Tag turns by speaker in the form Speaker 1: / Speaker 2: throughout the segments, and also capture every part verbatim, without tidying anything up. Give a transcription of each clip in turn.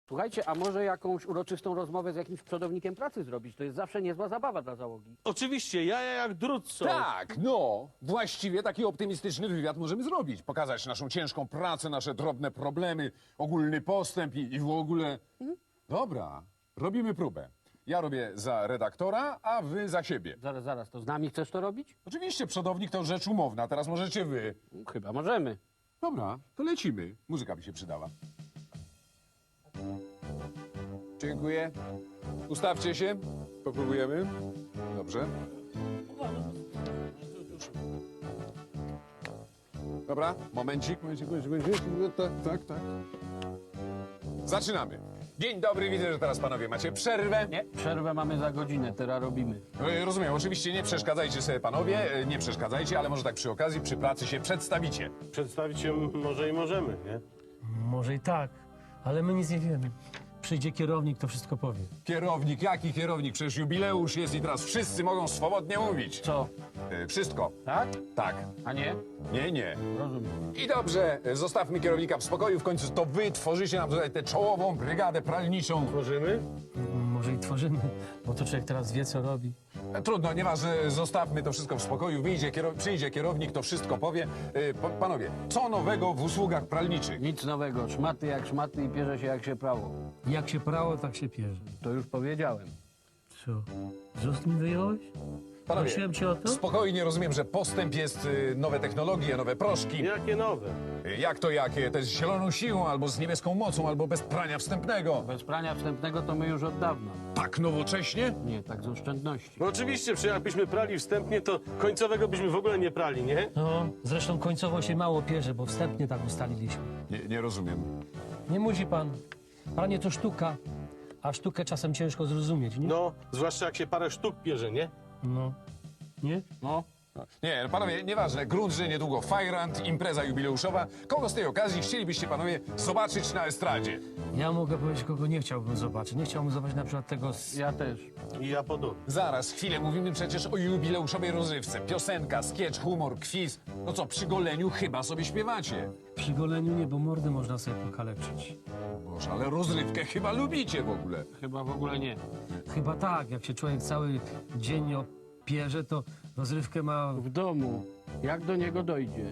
Speaker 1: Słuchajcie, a może jakąś uroczystą rozmowę z jakimś przodownikiem pracy zrobić? To jest zawsze niezła zabawa dla załogi.
Speaker 2: Oczywiście, jaja jak drut są.
Speaker 3: Tak, no. Właściwie taki optymistyczny wywiad możemy zrobić. Pokazać naszą ciężką pracę, nasze drobne problemy, ogólny postęp i, i w ogóle... Dobra, robimy próbę. Ja robię za redaktora, a wy za siebie.
Speaker 1: Zaraz, zaraz, to z nami chcesz to robić?
Speaker 3: Oczywiście przodownik to rzecz umowna, teraz możecie wy.
Speaker 1: Chyba możemy.
Speaker 3: Dobra, to lecimy. Muzyka by się przydała. Dziękuję. Ustawcie się. Popróbujemy. Dobrze. Dobra, momencik, momencik, momencik, momencik. Tak, tak, tak. Zaczynamy. Dzień dobry, widzę, że teraz panowie macie przerwę.
Speaker 1: Nie, przerwę mamy za godzinę, teraz robimy.
Speaker 3: E, Rozumiem, oczywiście nie przeszkadzajcie sobie panowie, e, nie przeszkadzajcie, ale może tak przy okazji, przy pracy się przedstawicie.
Speaker 2: Przedstawić się może i możemy, nie?
Speaker 4: Może i tak, ale my nic nie wiemy. Przyjdzie kierownik, to wszystko powie.
Speaker 3: Kierownik, jaki kierownik? Przecież jubileusz jest i teraz wszyscy mogą swobodnie mówić.
Speaker 1: Co?
Speaker 3: E, Wszystko.
Speaker 1: Tak?
Speaker 3: Tak.
Speaker 1: A nie?
Speaker 3: Nie, nie.
Speaker 1: Rozumiem.
Speaker 3: I dobrze, e, zostawmy kierownika w spokoju, w końcu to wy tworzycie nam tutaj tę czołową brygadę pralniczą.
Speaker 2: Możemy?
Speaker 4: Może i tworzymy, bo to człowiek teraz wie, co robi.
Speaker 3: E, Trudno, nieważne, zostawmy to wszystko w spokoju, wyjdzie, kiero... przyjdzie kierownik, to wszystko powie. E, pa- Panowie, co nowego w usługach pralniczych?
Speaker 1: Nic nowego, szmaty jak szmaty i pierze się jak się prało.
Speaker 4: Jak się prało, tak się pierze.
Speaker 1: To już powiedziałem.
Speaker 4: Co? Z ust mi wyjąłeś?
Speaker 3: Panowie,
Speaker 4: Prosiłem cię o to?
Speaker 3: spokojnie rozumiem, że postęp jest y, nowe technologie, nowe proszki.
Speaker 2: Jakie nowe?
Speaker 3: Y, Jak to jakie? To jest z zieloną siłą, albo z niebieską mocą, albo bez prania wstępnego.
Speaker 1: Bez prania wstępnego to my już od dawna.
Speaker 3: Tak nowocześnie?
Speaker 1: Nie, tak z oszczędności.
Speaker 2: No oczywiście, przecież jakbyśmy prali wstępnie, to końcowego byśmy w ogóle nie prali, nie?
Speaker 4: No, zresztą końcowo się mało pierze, bo wstępnie tak ustaliliśmy.
Speaker 3: Nie, nie rozumiem.
Speaker 4: Nie musi pan. Pranie to sztuka, a sztukę czasem ciężko zrozumieć, nie?
Speaker 2: No, zwłaszcza jak się parę sztuk bierze, nie?
Speaker 4: No. Nie?
Speaker 1: No,
Speaker 3: Nie, no panowie, nieważne, grunt, że niedługo Fajrant, impreza jubileuszowa. Kogo z tej okazji chcielibyście panowie zobaczyć na estradzie?
Speaker 4: Ja mogę powiedzieć, kogo nie chciałbym zobaczyć. Nie chciałbym zobaczyć na przykład tego z...
Speaker 1: ja też.
Speaker 2: I ja podobnie.
Speaker 3: Zaraz, chwilę, mówimy przecież o jubileuszowej rozrywce. Piosenka, skietch, humor, quiz. No co, przy goleniu chyba sobie śpiewacie.
Speaker 4: Przy goleniu nie, bo mordy można sobie pokaleczyć.
Speaker 3: Boże, ale rozrywkę chyba lubicie w ogóle.
Speaker 1: Chyba w ogóle nie.
Speaker 4: Chyba tak, jak się człowiek cały dzień opierze, to rozrywkę ma...
Speaker 1: W domu. Jak do niego dojdzie?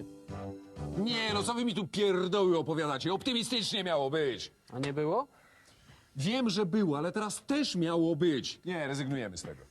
Speaker 3: Nie, no co wy mi tu pierdoły opowiadacie? Optymistycznie miało być.
Speaker 1: A nie było?
Speaker 3: Wiem, że było, ale teraz też miało być. Nie, rezygnujemy z tego.